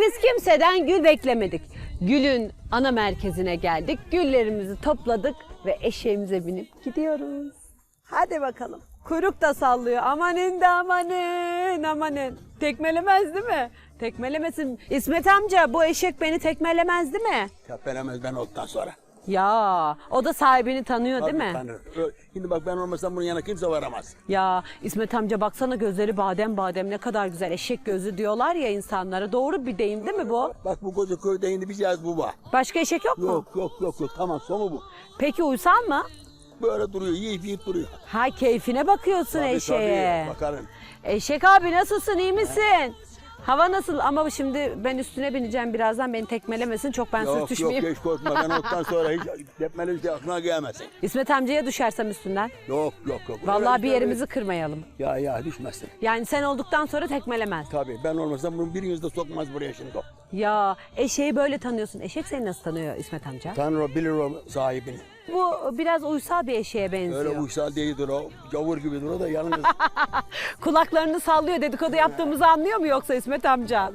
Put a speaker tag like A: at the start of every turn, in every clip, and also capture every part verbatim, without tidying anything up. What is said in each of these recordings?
A: Biz kimseden gül beklemedik. Gül'ün ana merkezine geldik. Güllerimizi topladık ve eşeğimize binip gidiyoruz. Hadi bakalım. Kuyruk da sallıyor. Amanın da amanın amanın. Tekmelemez değil mi? Tekmelemesin. İsmet amca bu eşek beni tekmelemez değil mi?
B: Tepelemez ben olduktan sonra.
A: Ya o da sahibini tanıyor değil mi?
B: Tanır. Şimdi bak ben olmasam bunun yanına kimse varamaz.
A: Ya İsmet amca baksana gözleri badem badem ne kadar güzel. Eşek gözü diyorlar ya insanlara. Doğru bir deyim değil mi bu?
B: Bak bu koca köyde indi bir cihaz bu var.
A: Başka eşek yok mu?
B: Yok yok yok yok tamam sonu bu.
A: Peki uysal mı?
B: Böyle duruyor yiyip yiyip duruyor.
A: Ha keyfine bakıyorsun
B: Tabii,
A: eşeğe.
B: tabii, bakarım.
A: Eşek abi nasılsın iyi misin? Hava nasıl? Ama şimdi ben üstüne bineceğim birazdan beni tekmelemesin çok ben
B: Yok
A: sürtüşmeyeyim.
B: yok hiç korkma ben olduktan sonra hiç tepmeli bir şey aklına gelmesin.
A: İsmet amcaya düşersem üstünden.
B: Yok yok yok.
A: Vallahi
B: Öyle
A: bir
B: şey
A: yerimizi kırmayalım.
B: Ya ya düşmezsin.
A: Yani sen olduktan sonra tekmelemez.
B: Tabii ben olmasam bunun biriniz de sokmaz buraya şimdi o.
A: Ya eşeği böyle tanıyorsun. Eşek seni nasıl tanıyor İsmet amca?
B: Tanrı o bilir o sahibini.
A: Bu biraz uysal bir eşeğe benziyor.
B: Öyle uysal değildir o. Gavur gibidir o da yalnız.
A: Kulaklarını sallıyor dedikodu yaptığımızı anlıyor mu yoksa İsmet amca?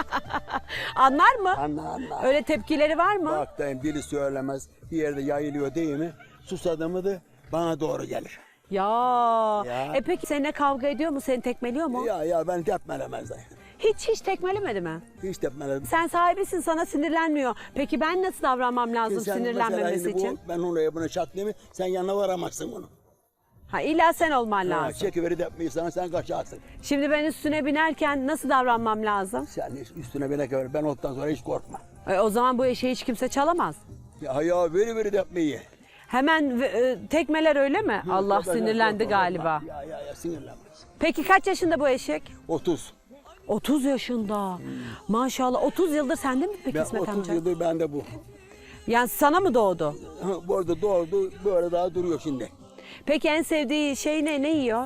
A: Anlar mı?
B: Anla anla.
A: Öyle tepkileri var mı?
B: Bak dayım biri söylemez bir yerde yayılıyor değil mi? Susadı mı da bana doğru gelir.
A: Ya.
B: Ya.
A: E peki seninle kavga ediyor mu? Seni tekmeliyor mu?
B: Ya ya ben tepmelemez dayım.
A: Hiç hiç tekmelemedi mi?
B: Hiç tepmeledim.
A: Sen sahibisin sana sinirlenmiyor. Peki ben nasıl davranmam lazım
B: Sen
A: sinirlenmemesi
B: mesela şimdi
A: için?
B: Bu, ben oraya bunu çatlayayım mı? Sen yanına varamazsın bunu.
A: Ha illa sen olman
B: Ha,
A: lazım.
B: çekiveri tepmeyi sana sen kaçarsın.
A: Şimdi ben üstüne binerken nasıl davranmam lazım?
B: Sen üstüne bine kadar ben olduktan sonra hiç korkma.
A: E, o zaman bu eşeği hiç kimse çalamaz.
B: Ya ya veri veri tepmeyi.
A: Hemen e, tekmeler öyle mi? Allah
B: Ben-
A: sinirlendi
B: korkma,
A: galiba.
B: korkma. Ya ya ya sinirlenmez.
A: Peki kaç yaşında bu eşek?
B: otuz.
A: otuz yaşında. Maşallah otuz yıldır sende mi peki
B: Ben
A: İsmet
B: otuz
A: amca?
B: yıldır bende bu.
A: Yani sana mı doğdu?
B: Ha, bu arada doğdu böyle daha duruyor şimdi.
A: Peki en sevdiği şey ne? Ne yiyor?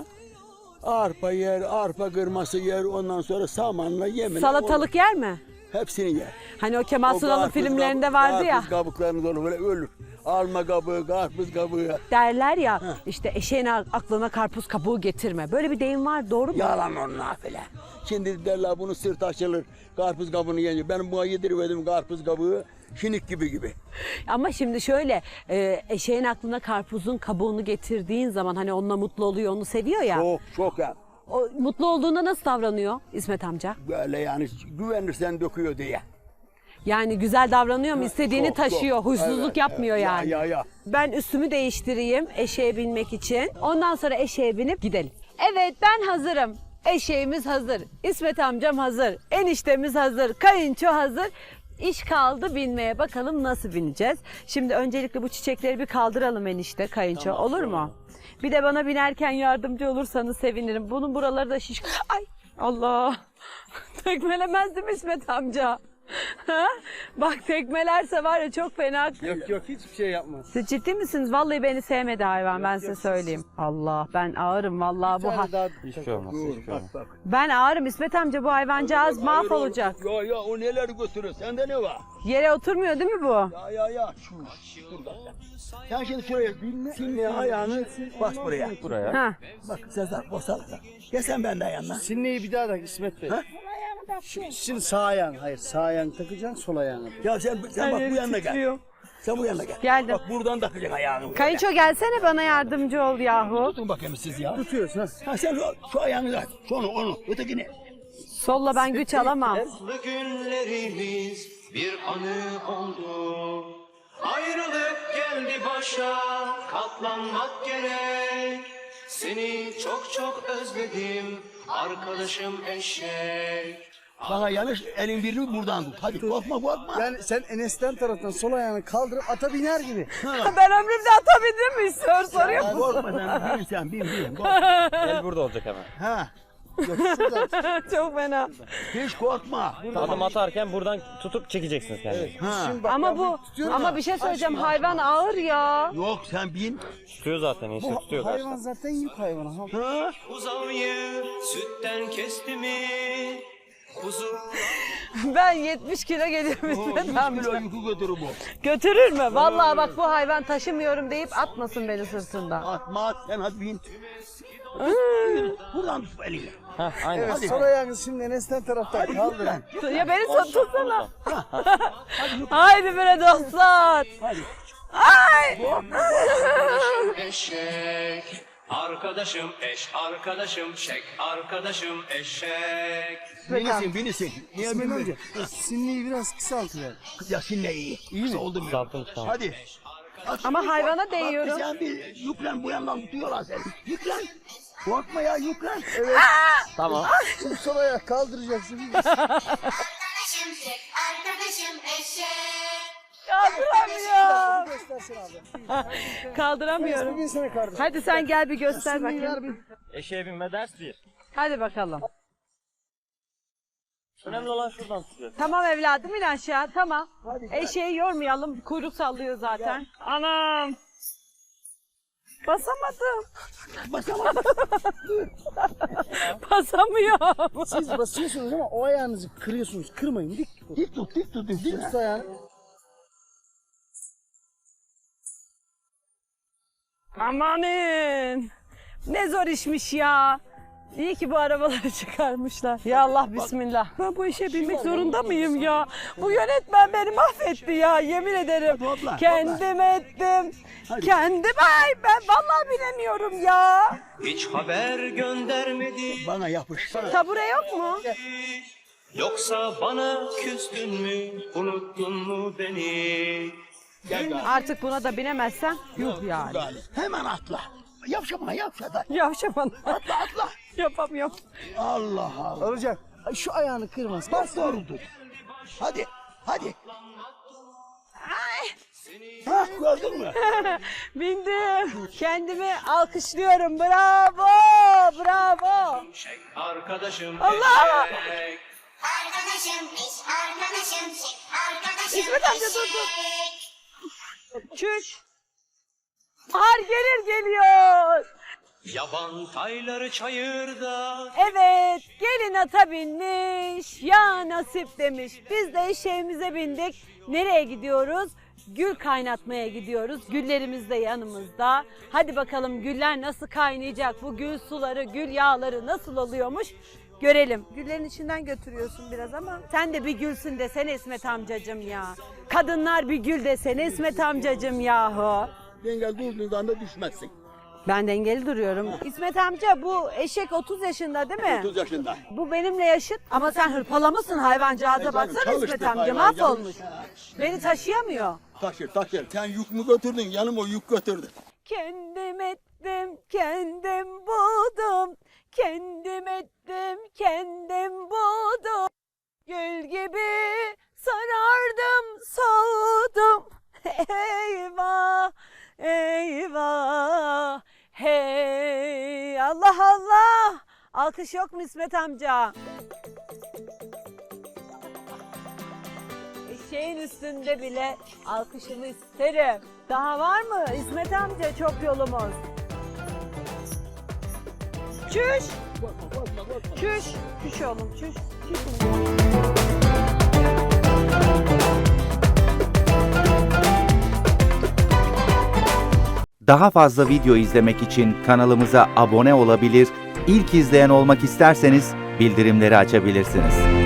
B: Arpa yer, arpa kırması yer, ondan sonra samanla yemin.
A: Salatalık yer mi?
B: Hepsini yer.
A: Hani o Kemal
B: O
A: Sunal'ın
B: karpuz
A: filmlerinde
B: kabı-
A: vardı ya.
B: Karpuz kabuklarını dolu böyle ölür. Alma kabuğu, karpuz kabuğu.
A: Derler ya işte eşeğin aklına karpuz kabuğu getirme. Böyle bir deyim var doğru mu?
B: Yalan onun nafile. Şimdi derler bunu sırt açılır, karpuz kabuğunu yiyince. Ben buna yediriverdim karpuz kabuğu, şinik gibi gibi.
A: Ama şimdi şöyle e, eşeğin aklına karpuzun kabuğunu getirdiğin zaman hani onunla mutlu oluyor onu seviyor ya.
B: Çok çok ya.
A: O, mutlu olduğunda nasıl davranıyor İsmet amca?
B: Böyle yani güvenirsen döküyor diye.
A: Yani güzel davranıyor mu? İstediğini
B: Çok,
A: taşıyor.
B: çok.
A: Huysuzluk
B: Evet,
A: yapmıyor
B: evet.
A: yani.
B: Ya, ya, ya.
A: Ben üstümü değiştireyim eşeğe binmek için. Ondan sonra eşeğe binip gidelim. Evet ben hazırım. Eşeğimiz hazır. İsmet amcam hazır. Eniştemiz hazır. Kayınço hazır. İş kaldı binmeye. Bakalım nasıl bineceğiz? Şimdi öncelikle bu çiçekleri bir kaldıralım enişte kayınço.
B: Tamam,
A: olur mu?
B: tamam.
A: Bir de bana binerken yardımcı olursanız sevinirim. Bunun buraları da şiş... Ay Allah! Tekmelemez değil mi İsmet amca? Ha? Bak tekmelerse var ya çok fena.
C: Yok yok hiçbir şey yapmaz.
A: Siz ciddi misiniz? Vallahi beni sevmedi hayvan ben size söyleyeyim. Allah ben ağırım vallahi bu ha-
C: daha
D: Hiçbir şey olmaz, hiçbir şey olmaz.
B: Bak bak.
A: ben ağırım İsmet amca bu hayvancağız
B: Hayır,
A: mahvolacak.
B: oğlum. Ya ya o neler götürüyor, sende ne var?
A: Yere oturmuyor değil mi bu?
B: Ya ya ya şu şurada. Sen şimdi şuraya sinne ayağını bas buraya.
D: Buraya.
A: Ha.
B: Bak Sezer boşaltın. Gel sen benden yanına.
C: Sinneyi bir daha tak İsmet Bey.
B: Ha?
C: Şu- Şimdi sağ ayağın, hayır sağ ayağını takacaksın sol ayağını.
B: Ya sen sen bak bu yanına gel.
A: titriyor.
B: Sen bu yanına gel.
A: Geldim.
B: Bak buradan takacaksın ayağını. buraya.
A: Kayınço gelsene bana yardımcı ol yahu.
B: Tutun bakayım siz ya.
C: Tutuyorsun ha.
B: Ha sen şu, şu ayağını aç. Şunu onu ötekini.
A: Solla ben güç alamam.
E: Mutlu günlerimiz bir anı oldu. Ayrılık geldi başa, katlanmak gerek. Seni çok çok özledim, arkadaşım eşek.
B: Bana yanlış elin birini buradan tut. Hadi korkma korkma.
C: Yani sen Enes'ten taraftan sol ayağını kaldırıp ata biner gibi.
A: Ben ömrümde atabildim mi? Sor soruyor.
B: Ya korkma sen bin sen bin bin. Korkma.
D: El burada olacak hemen.
B: Ha.
C: Yok şuradan.
A: Çok fena.
B: Hiç korkma.
D: Adım atarken buradan tutup çekeceksiniz kendini.
B: Ha.
C: Şimdi bak,
A: Ama
C: ben
A: bu
C: tutuyorum
A: ama
C: ya.
A: bir şey söyleyeceğim hayvan ağır ya.
B: Yok sen bin.
D: Tutuyor zaten işte
C: Bu
D: tutuyor
C: hayvan
D: karşıdan.
C: zaten yük hayvanı. Ha.
B: Ha.
E: Uzavıyı sütten kesti mi? Kuzu
A: Ben yetmiş kilo geliyorum İsmet
B: yüz
A: amca.
B: kilo yükü götürür bu.
A: Götürür mü? Vallahi bak bu hayvan taşımıyorum deyip atmasın beni sırtında.
B: Atma at sen hadi bin. Buradan tut elini.
D: Heh, aynen.
C: Evet, sol ayağınızı şimdi Enes'ten taraftan kaldırın.
A: Ya beni tut- tutsana. Haydi bre dostlar. Ay.
E: Eşek. Arkadaşım eş, arkadaşım şek, arkadaşım eşek.
B: Binisin binisin. Niye
C: İsmet
B: bilmiyorum?
C: amca, sinliği biraz kısaltıver.
B: Ya şimdi iyi. İyi mi? Oldu mu?
D: Kısaltın tamam.
B: Hadi.
A: Ama hayvana değiyorum.
B: Bak sen bir yüklen bu yandan tutuyorlar seni. Yüklen. Korkma ya yüklen. Evet.
D: Tamam.
C: Şimdi sol ayak kaldıracaksın.
F: Arkadaşım şek, arkadaşım eşek.
A: Kaldıramıyorum.
C: Göstersin abi.
A: Kaldıramıyorum.
C: Bugün sana kardeşim.
A: Hadi sen gel bir göster
C: Sinliği ver
A: bakayım.
C: bir.
D: Eşeğe binme ders bir.
A: Hadi bakalım.
D: Önemli olan şuradan tutuyor.
A: Tamam evladım in aşağı tamam. Eşeği yormayalım kuyruk sallıyor zaten. Anam. Basamadım.
B: Basamadım.
A: Basamıyorum.
C: Siz basıyorsunuz ama o ayağınızı kırıyorsunuz. Kırmayın. Dik tutun.
B: Dik tut dik tut.
C: Dik tut ayağını.
A: Amanın. Ne zor işmiş ya. İyi ki bu arabaları çıkarmışlar. Ya Allah bismillah. Ben bu işe binmek zorunda mıyım ya? Bu yönetmen beni mahvetti ya yemin ederim.
B: Topla,
A: Kendim ettim. Kendim ay ben vallahi bilemiyorum ya.
E: Hiç haber göndermedi.
B: Bana yapış.
A: Tabure yok mu?
E: Yoksa bana küstün mü, unuttun mu beni?
B: Gel gel.
A: Artık buna da binemezsem yuh yani.
B: Hemen atla. Yavşama yavşa da.
A: Yavşaman.
B: Atla atla.
A: Yapamıyorum.
B: Allah Allah.
C: Alacak. Ay, şu ayağını kırmaz.
B: Bas doğrudur. Hadi hadi. Ha gördün mü?
A: Bindim. Kendimi alkışlıyorum. Bravo. Bravo.
E: Şek, arkadaşım
A: Allah!
E: eşek.
F: Arkadaşım eş, arkadaşım şek, arkadaşım
A: İsmet amca dur, dur.
F: eşek.
A: Çüş. Har gelir geliyor.
E: Yaban tayları çayırda.
A: Evet, gelin ata binmiş, ya nasip demiş. Biz de eşeğimize bindik. Nereye gidiyoruz? Gül kaynatmaya gidiyoruz. Güllerimiz de yanımızda. Hadi bakalım güller nasıl kaynayacak? Bu gül suları, gül yağları nasıl oluyormuş? Görelim. Güllerin içinden götürüyorsun biraz ama. Sen de bir gülsün desene İsmet amcacığım ya. Kadınlar bir gül desene İsmet amcacığım yahu.
B: Dengel durduğundan da düşmezsin.
A: Ben dengeli duruyorum. İsmet amca bu eşek otuz yaşında değil mi?
B: otuz yaşında.
A: Bu benimle yaşıt ama sen hırpalamışsın hayvancağıza baksana
B: Çalıştık
A: İsmet amca
B: hayvan,
A: mahvolmuş.
B: yanlış.
A: Beni taşıyamıyor.
B: Taşır taşır. Sen yük mü götürdün? Yanım o yük götürdü.
A: Kendim ettim, kendim buldum. Kendim ettim, kendim buldum. Gül gibi sarardım, soğudum. Eyvah, eyvah, hey Allah Allah. Alkış yok mu İsmet amca? Eşeğin üstünde bile alkışımı isterim. Daha var mı İsmet amca çok yolumuz? Çüş. Çüş. Çüş oğlum çüş. Çüş.
G: Daha fazla video izlemek için kanalımıza abone olabilir, ilk izleyen olmak isterseniz bildirimleri açabilirsiniz.